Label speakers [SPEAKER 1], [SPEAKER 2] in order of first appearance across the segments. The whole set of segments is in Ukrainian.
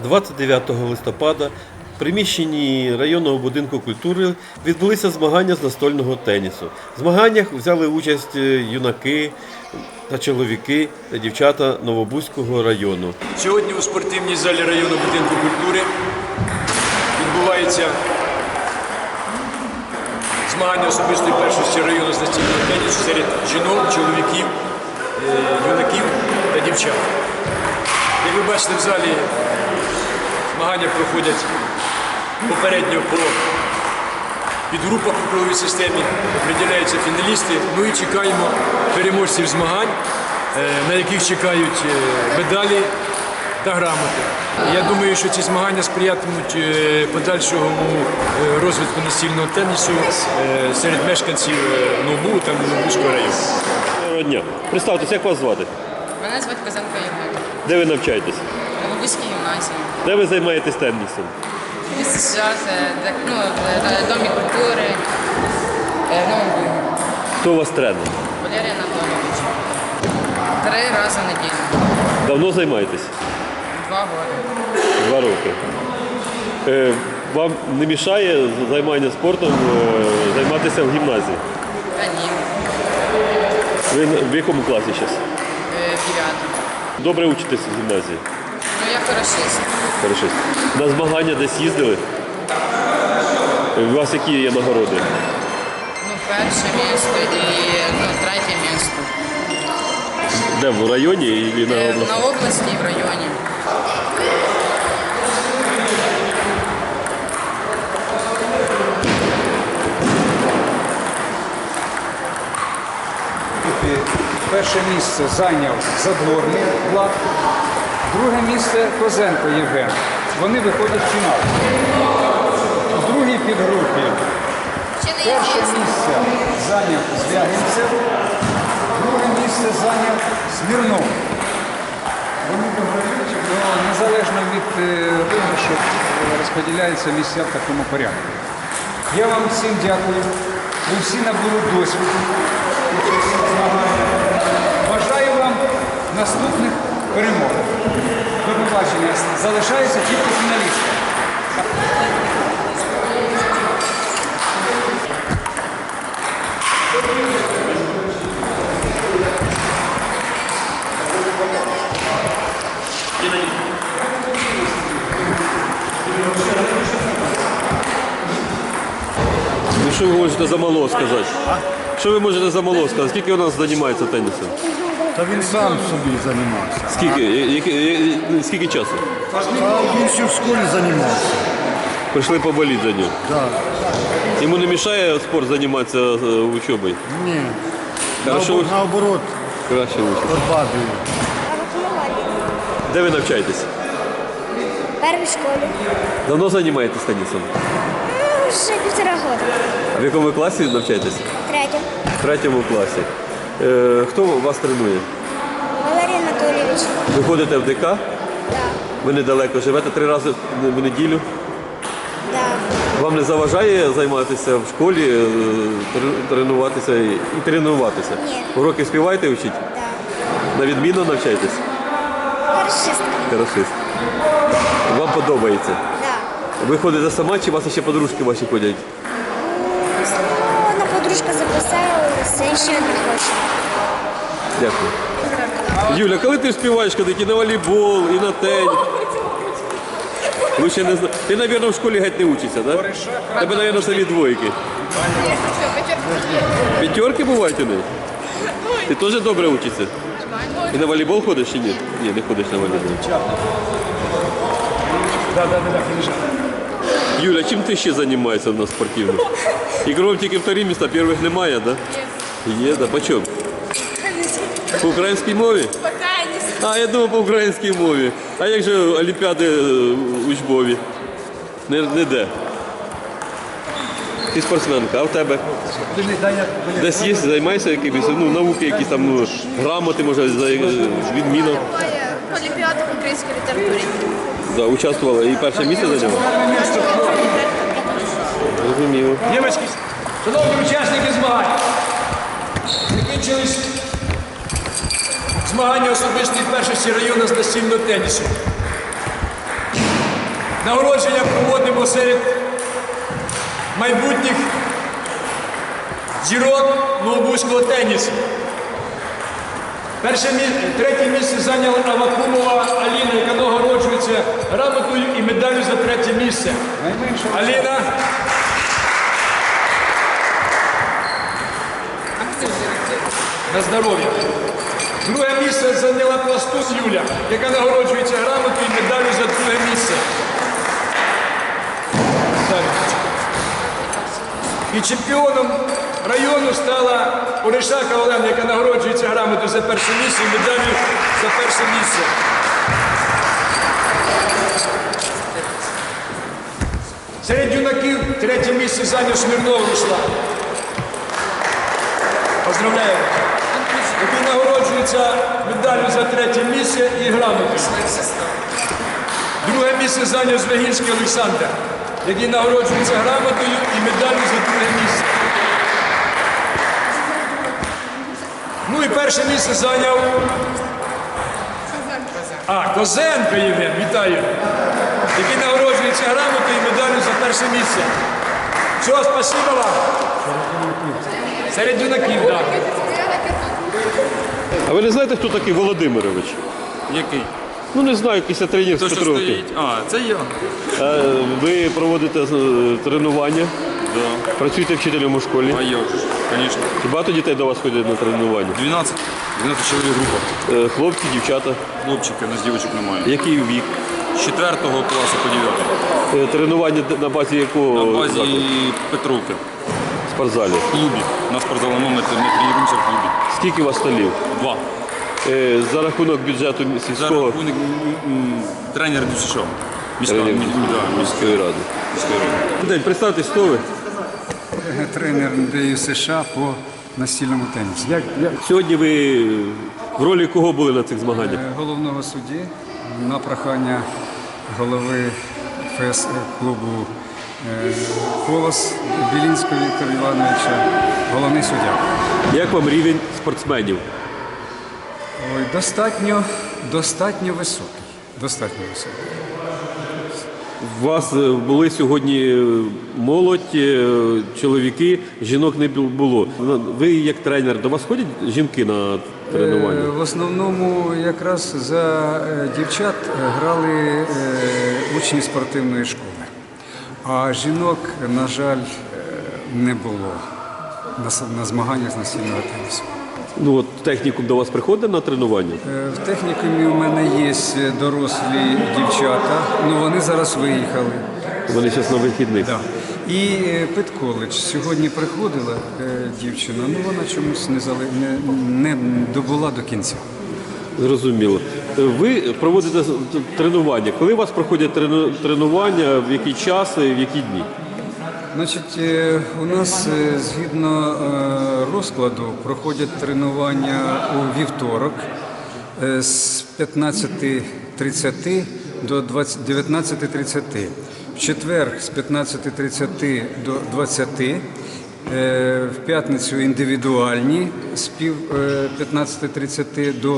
[SPEAKER 1] 29 листопада в приміщенні районного будинку культури відбулися змагання з настольного тенісу. В змаганнях взяли участь юнаки та чоловіки та дівчата Новобузького району.
[SPEAKER 2] Сьогодні у спортивній залі районного будинку культури відбувається змагання особистої першості району з настільного тенісу серед жінок, чоловіків, юнаків та дівчат. Як ви бачите, в залі змагання проходять попередньо по підгрупах у круговій системі, определяються фіналісти. Ну і чекаємо переможців змагань, на яких чекають медалі та грамоти. Я думаю, що ці змагання сприятимуть подальшому розвитку настільного тенісу серед мешканців Новобу та Новобузького району.
[SPEAKER 1] Доброго дня. Представтеся, як вас звати?
[SPEAKER 3] Мене звати Казанко Євгенія.
[SPEAKER 1] Де ви навчаєтесь?
[SPEAKER 3] В Новобузькій гімназії.
[SPEAKER 1] Де ви займаєтесь тенісом?
[SPEAKER 3] Місце зараз, Домі культури, Новобу.
[SPEAKER 1] Хто у вас тренер?
[SPEAKER 3] Валерій Анатолійович. 3 рази в неділю.
[SPEAKER 1] Давно займаєтесь?
[SPEAKER 3] 2 роки.
[SPEAKER 1] 2 роки. Вам не мішає займання спортом займатися в гімназії?
[SPEAKER 3] Та ні.
[SPEAKER 1] Ви в якому класі зараз?
[SPEAKER 3] 9.
[SPEAKER 1] Добре учитесь в гімназії?
[SPEAKER 3] Ну, я хорошист.
[SPEAKER 1] Хорошо. На змагання десь їздили? У вас які є нагороди?
[SPEAKER 3] Ну, перше місце і 3 місце.
[SPEAKER 1] Де, в районі і на області?
[SPEAKER 3] На області і в районі.
[SPEAKER 4] Перше місце зайняв Задворний Влад, друге місце Козенко Євген. Вони виходять в фінал. У другій підгрупі перше місце зайняв Звягинцев, друге місце зайняв Смірнов. Вони виграють, але незалежно від виграшу розподіляються місця в такому порядку. Я вам всім дякую. Ви всі набули досвіду. Бажаю вам наступних перемог. До побачення. Залишаються тільки фіналісти.
[SPEAKER 1] Ну, що ви можете за мало сказати? Що ви можете за мало сказати? Скільки у нас займається тенісом?
[SPEAKER 5] Та він сам собі займався.
[SPEAKER 1] Скільки часу?
[SPEAKER 5] Та він ще в школі займався.
[SPEAKER 1] Прийшли поболіти за нього.
[SPEAKER 5] Да.
[SPEAKER 1] Йому не мішає спорт займатися учобою?
[SPEAKER 5] Ні.
[SPEAKER 1] Хорошо.
[SPEAKER 5] Наоборот,
[SPEAKER 1] Краще учить.
[SPEAKER 5] подбадує.
[SPEAKER 1] Де ви навчаєтесь?
[SPEAKER 6] В первой школе.
[SPEAKER 1] Давно займаєтесь тенісом?
[SPEAKER 6] Уже 1,5 года.
[SPEAKER 1] В якому класі навчаєтесь?
[SPEAKER 6] В третьем.
[SPEAKER 1] В 3 класі. Хто вас тренує?
[SPEAKER 6] Валерий Анатольевич.
[SPEAKER 1] Ви ходите в ДК?
[SPEAKER 6] Да.
[SPEAKER 1] Ви недалеко живете 3 рази в неділю?
[SPEAKER 6] Да.
[SPEAKER 1] Вам не заважає займатися в школі, тренуватися і тренуватися?
[SPEAKER 6] Ні.
[SPEAKER 1] Уроки співаєте вчити?
[SPEAKER 6] Да.
[SPEAKER 1] На відмінно навчаєтесь?
[SPEAKER 6] Хорошист.
[SPEAKER 1] Хорошист. Вам подобається?
[SPEAKER 6] Да.
[SPEAKER 1] Ви ходите сама, чи у вас ще подружки ваші ходять?
[SPEAKER 6] Ну, одна подружка записалась, а еще не хочет.
[SPEAKER 1] Дякую. Юля, коли ти співаєш ходити і на волейбол, і на теніс? Ви ще не знаєте. Ти, мабуть, в школі геть не учишся, так? Да? Тебе, мабуть, самі двойки. П'ятерки бувають у неї? Ти теж добре учишся? І на волейбол ходиш чи ні? Ні, не ходиш на волейбол. Юля, чим ти ще займаєшся в нас спортивно? Ігром тільки 2 місця, перших немає, так? Да? Є, да. По чому? По українській мові? А, я думав по українській мові. А як же олімпіади учбові? Не де? Ти спортсменка, а в тебе? Десь є, займаєшся якимись, науки якісь там, грамоти, може, відміну?
[SPEAKER 7] Олімпіаду в українській літературі.
[SPEAKER 1] Да, участвувала і перше місце зайняла? Розуміло.
[SPEAKER 2] Дівчатки, шановні учасники змагань, закінчились змагання особистої першості району з настільного тенісу. Нагородження проводимо серед майбутніх зірок новобузького тенісу. Третє місце зайняла Авакумова Аліна, яка нагороджується грамотою і медаллю за третє місце. Аліна. На здоров'я. Друге місце зайняла Пластус Юля, яка нагороджується грамотою і медаллю за друге місце. І чемпіоном району стала Оришака Олена, яка нагороджується грамотою за перше місце і медаллю за перше місце. Серед юнаків третє місце зайняв Смірнов Руслан. Поздравляємо. Який нагороджується медаллю за третє місце і грамотою. Друге місце зайняв Звягільський Олександр, який нагороджується грамотою і медаллю за друге місце. Ну і перше місце зайняв Козенко Євген, вітаю, який нагороджується грамотою і медаллю за перше місце. Все, спасибо вам. Серед юнаків, так.
[SPEAKER 1] А ви не знаєте, хто такий Володимирович?
[SPEAKER 8] Який?
[SPEAKER 1] Ну не знаю, якийсь тренер з
[SPEAKER 8] То, що
[SPEAKER 1] Петровки.
[SPEAKER 8] стоїть. Це я.
[SPEAKER 1] Ви проводите тренування,
[SPEAKER 8] Да.
[SPEAKER 1] працюєте вчителем у школі.
[SPEAKER 8] А я вже, звісно.
[SPEAKER 1] Чи багато дітей до вас ходять на тренування?
[SPEAKER 8] 12 чоловік група.
[SPEAKER 1] Хлопці, дівчата.
[SPEAKER 8] Хлопчики, у нас дівчинок немає.
[SPEAKER 1] Який вік?
[SPEAKER 8] З 4 класу по 9.
[SPEAKER 1] Тренування на базі якого
[SPEAKER 8] На базі
[SPEAKER 1] закладу?
[SPEAKER 8] Петровки.
[SPEAKER 1] В спортзалі?
[SPEAKER 8] В клубі. У нас спортзалом ми тренуємося в клубі.
[SPEAKER 1] Скільки у вас столів?
[SPEAKER 8] 2.
[SPEAKER 1] За рахунок бюджету
[SPEAKER 8] За
[SPEAKER 1] сільського
[SPEAKER 8] рахунок тренер ДЮСШ.
[SPEAKER 1] тренерів міської ради. День, представтесь, хто ви?
[SPEAKER 4] Тренер НДЮ США по настільному тенісу.
[SPEAKER 1] Сьогодні ви в ролі кого були на цих змаганнях?
[SPEAKER 4] Головного судді на прохання голови ФС клубу «Колос» Білінського Віктора Івановича, головний суддя.
[SPEAKER 1] Як вам рівень спортсменів?
[SPEAKER 4] Ой, достатньо високий. Достатньо високий.
[SPEAKER 1] У вас були сьогодні молодь, чоловіки, жінок не було. Ви як тренер, до вас ходять жінки на тренування?
[SPEAKER 4] В основному якраз за дівчат грали учні спортивної школи. А жінок, на жаль, не було на змаганнях з настільного тенісу.
[SPEAKER 1] Ну от технікум до вас приходить на тренування?
[SPEAKER 4] В технікумі у мене є дорослі дівчата, але вони зараз виїхали.
[SPEAKER 1] Вони зараз на вихідних.
[SPEAKER 4] Да. І педколедж. Сьогодні приходила дівчина, але вона чомусь не добула до кінця.
[SPEAKER 1] Зрозуміло. Ви проводите тренування. Коли у вас проходять тренування, в який час і в які дні?
[SPEAKER 4] Значить, у нас згідно розкладу проходять тренування у вівторок з 15:30 до 19:30. В четвер з 15:30 до 20. В п'ятницю індивідуальні з 15:30 до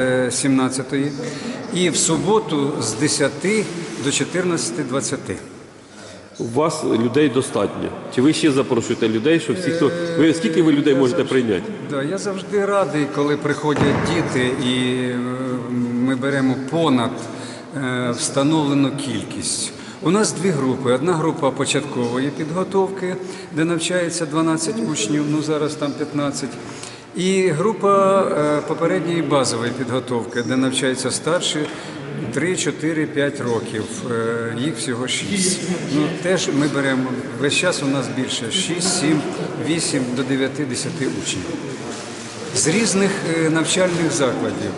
[SPEAKER 4] 17. І в суботу з 10 до 14:20.
[SPEAKER 1] У вас людей достатньо. Чи ви ще запрошуєте людей, що всі, хто... Скільки ви людей можете прийняти?
[SPEAKER 4] Да, я завжди радий, коли приходять діти і ми беремо понад встановлену кількість. У нас дві групи. Одна група початкової підготовки, де навчається 12 учнів, ну зараз там 15. І група попередньої базової підготовки, де навчаються старші 3, 4, 5 років. Їх всього 6. Ну, теж ми беремо, весь час у нас більше 6, 7, 8 до 9, 10 учнів. З різних навчальних закладів,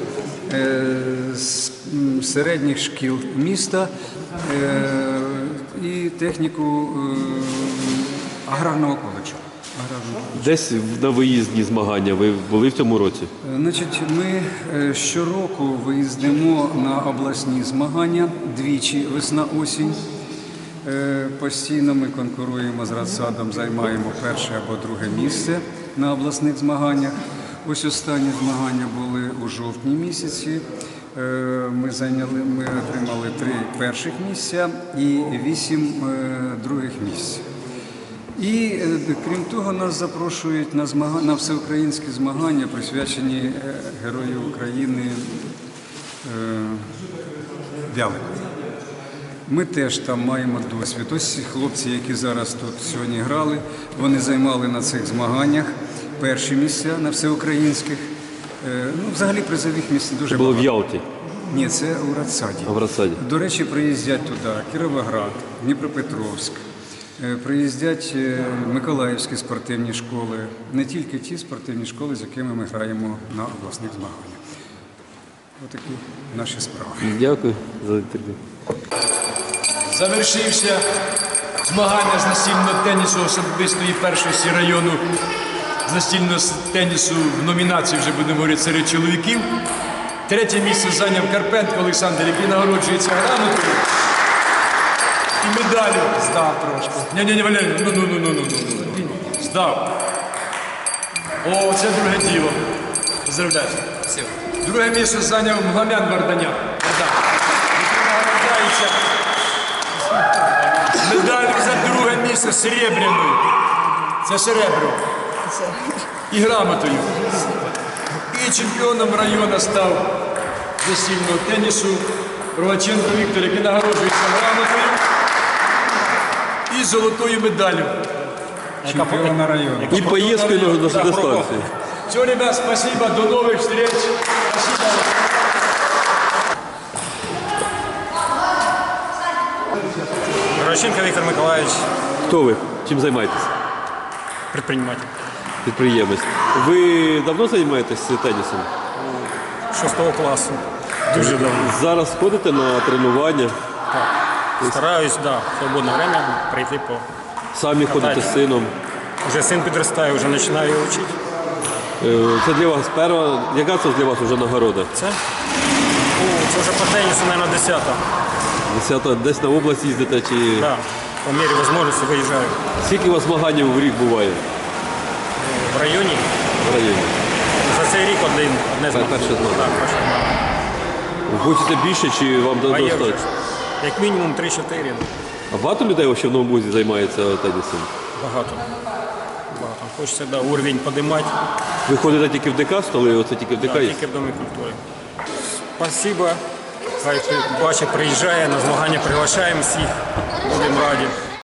[SPEAKER 4] з середніх шкіл міста і техніку аграрного коледжу.
[SPEAKER 1] Десь на виїзні змагання ви були в цьому році?
[SPEAKER 4] Значить, ми щороку виїздимо на обласні змагання двічі, весна-осінь. Постійно ми конкуруємо з Радсадом, займаємо перше або друге місце на обласних змаганнях. Ось останні змагання були у жовтні місяці. Ми отримали 3 перших місця і 8 других місць. І крім того, нас запрошують на всеукраїнські змагання, присвячені Герою України Вялику. Ми теж там маємо досвід. Ось хлопці, які зараз тут сьогодні грали, вони займали на цих змаганнях перші місця на всеукраїнських. Взагалі призових місць дуже
[SPEAKER 1] Було в
[SPEAKER 4] багато.
[SPEAKER 1] Ялті.
[SPEAKER 4] Ні, це у Радсаді.
[SPEAKER 1] А в Радсаді.
[SPEAKER 4] До речі, приїздять туди Кіровоград, Дніпропетровськ, приїздять миколаївські спортивні школи, не тільки ті спортивні школи, з якими ми граємо на обласних змаганнях. Отакі наші справи.
[SPEAKER 1] Дякую за інтерв'ю.
[SPEAKER 2] Завершився змагання з настільного тенісу особистої першості району з настільного тенісу в номінації, вже будемо говорити, серед чоловіків. 3 місце зайняв Карпенко Олександр, який нагороджується грамотою і медаллю. Здав трошки. Ні, Валерій, ну. Здав. О, це друге діло. Поздравляю. Друге місце зайняв Мгамян Варданян. Нагороджається медаллю за друге місце серебряною. Це серебро. І грамотою. І чемпіоном району став з настільного тенісу Рогаченко Віктор, який нагороджується грамотою і золотою медаллю.
[SPEAKER 4] Чемпіона району.
[SPEAKER 1] І поїздкою на дистанцію.
[SPEAKER 2] Все, ребят, спасибо, до новых встреч. Спасибо.
[SPEAKER 9] Рогаченко Виктор Миколаевич,
[SPEAKER 1] Хто ви? Чим займаєтесь?
[SPEAKER 9] предприниматель.
[SPEAKER 1] Підприємець. Ви давно займаєтесь тенісом?
[SPEAKER 9] 6 классу. Дуже давно.
[SPEAKER 1] Зараз ходите на тренування,
[SPEAKER 9] Стараюсь, да, в свободное время прийти по...
[SPEAKER 1] самі ходите з сином.
[SPEAKER 9] Уже сын подрастає, вже починаю його вчити.
[SPEAKER 1] Це для вас перша, яка це для вас вже нагорода?
[SPEAKER 9] Це вже по тенісу, мабуть, 10-та.
[SPEAKER 1] 10-та, десь на область їздите чи
[SPEAKER 9] Да, по мірі можливості виїжджаю.
[SPEAKER 1] скільки у вас змагань в рік буває
[SPEAKER 9] В районі
[SPEAKER 1] в районі?
[SPEAKER 9] за цей рік одне змагання.
[SPEAKER 1] Перше змагання.
[SPEAKER 9] Так, перше змагання.
[SPEAKER 1] Хочете більше чи вам
[SPEAKER 9] А є вже.
[SPEAKER 1] достатньо?
[SPEAKER 9] Як мінімум 3-4.
[SPEAKER 1] А багато людей ще в Новому Бузі займається тенісом?
[SPEAKER 9] Багато. Хочеться, да, уровень підіймати.
[SPEAKER 1] Ви ходите тільки в ДК, столи, оце тільки в ДК є?
[SPEAKER 9] Тільки в Домі культури. Спасибо. Хай бачить, приїжджає, на змагання приглашаємо всіх. Будемо раді.